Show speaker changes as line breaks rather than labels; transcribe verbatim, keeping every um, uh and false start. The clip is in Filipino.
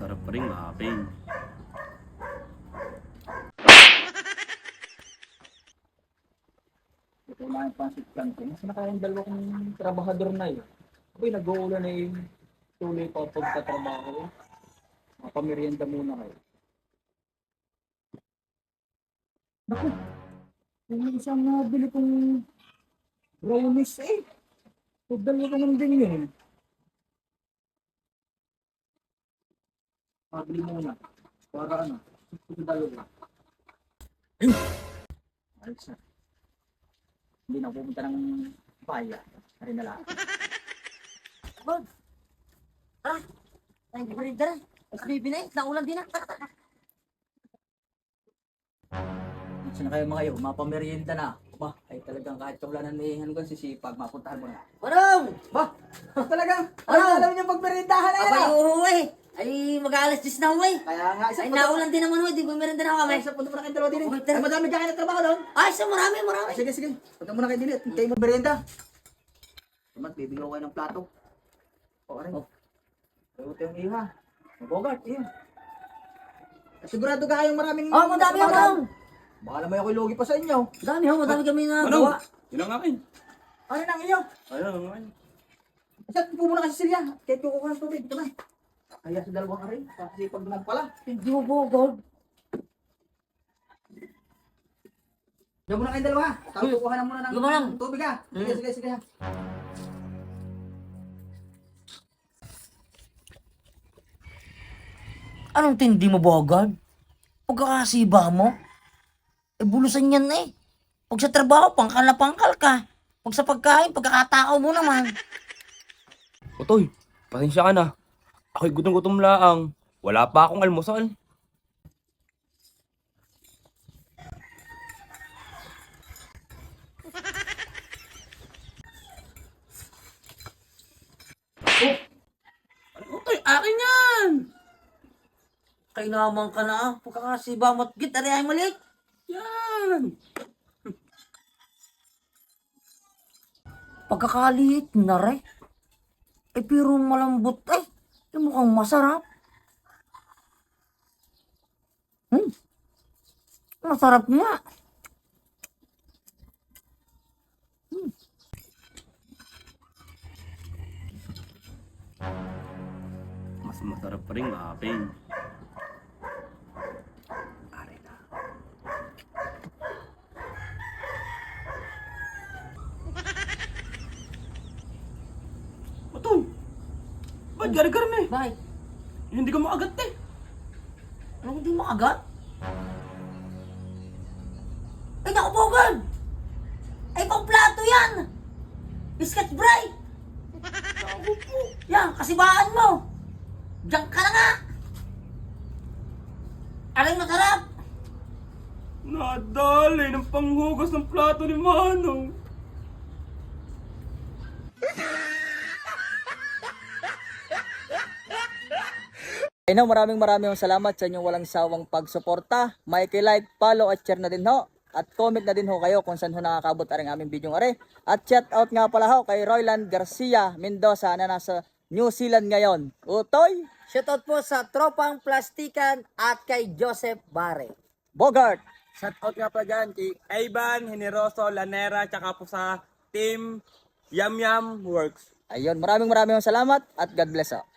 masarap pa rin maaping.
Ito na yung pancit canton. Mas nakayang dalawa kong trabahador na yun. Ako'y nag-uulan na yung tuloy pa pagtatrabaho. Mapamerienda muna kayo. Naku, yung isang nabili kong brownies eh. Pagdalo ko naman din yun. Pabili muna. Para ano, ito dalawa. Ayun! Ayos na. Hindi na pupunta ng bayan. Ari na lang.
Bag. Ah, ay, balik na. Mas baby na eh. Naulan din na.
Saan na kayo mga iyo? Mapamerienda na. Ba, ay talagang kahit kaulanan may ano kan sisipag, mapuntahan mo na.
Manong!
Ba, talagang,
Ano?
ano alam niyo pagmeriendahan na yan?
Abay,
ah?
oo eh. Ay, mag-aalas dis na ako eh.
Kaya nga, isa
Ay,
punta,
naulan din naman ho. Di ba meron din ako kami?
isa punta muna kayo dalawa din.
Okay,
eh.
tara.
Ay, madami dyan kayo nagtrabaho doon.
Ay, so marami, marami.
Sige, sige. Punta muna kayo din. eh. Kayo magmerienda. Tumat, bibigyan ko kayo ng plato. O, aray.
Oh.
Ito yung iha. Bogart, iyo. Sigurado ka kayong maraming...
Oh, madami ho,
nagtrabaho.
Manong.
Baka naman ako'y lugi pa sa inyo.
Madami ho, madami kami na
Manong!
gawa.
Yun ang akin.
Ano nang iyo?
Ayun ang akin.
Saan po muna kasi Silya? Kahit kukuha ng tubig. Ito na. Kaya sa dalawang aray. Kasi pag naman pala.
Hindi mo po, God.
Diyan muna kayong dalawa. Tapos
Hmm.
kukuha na muna ng
Sige, Manang.
tubig ha. Sige,
Hmm.
sige, sige ha.
Anong tindi mo, Bogard? Pagkakasiba mo? Eh, bulusan yan eh. Pag sa trabaho, pangkal na pangkal ka. Pag sa pagkain, pagkakatao mo naman.
Otoy, pasensya ka na. Ako'y gutom-gutom laang. Wala pa akong almusal. Oh! Ano, Otoy, akin yan!
Kainaman ka na ah. Pagkakasiba mo at git, ari ay mali.
Yan!
Pagkakaliit na re. Eh, pero malambot eh. Eh, mukhang masarap. Hmm. Masarap nga.
Mas masarap pa rin maaping. Aray na. Otoy! Ba't gari-gari eh?
Bakit?
Hindi ka makagat eh.
Anong hindi makagat? Ay, naku, Bogard! Ay, pang plato yan! Biscuit bright! Naku po. Yan, kasibaan mo! Diyan ka na nga! Aray, masarap!
Nadali ng panghugas ng plato ni Manong.
Ay no, maraming maraming salamat sa inyong walang sawang pagsuporta. May like, follow at share na din ho. At comment na din ho kayo kung saan ho nakakabot aring aming video are. At shout out nga pala ho kay Royland Garcia Mendoza na nasa New Zealand ngayon. Utoy,
Shoutout po sa Tropang Plastikan at kay Joseph Bare.
Bogart.
Shoutout nga pa dyan kay Ivan Generoso Lanera tsaka po sa team Yam Yam Works.
Ayun, maraming maraming salamat at God bless ho.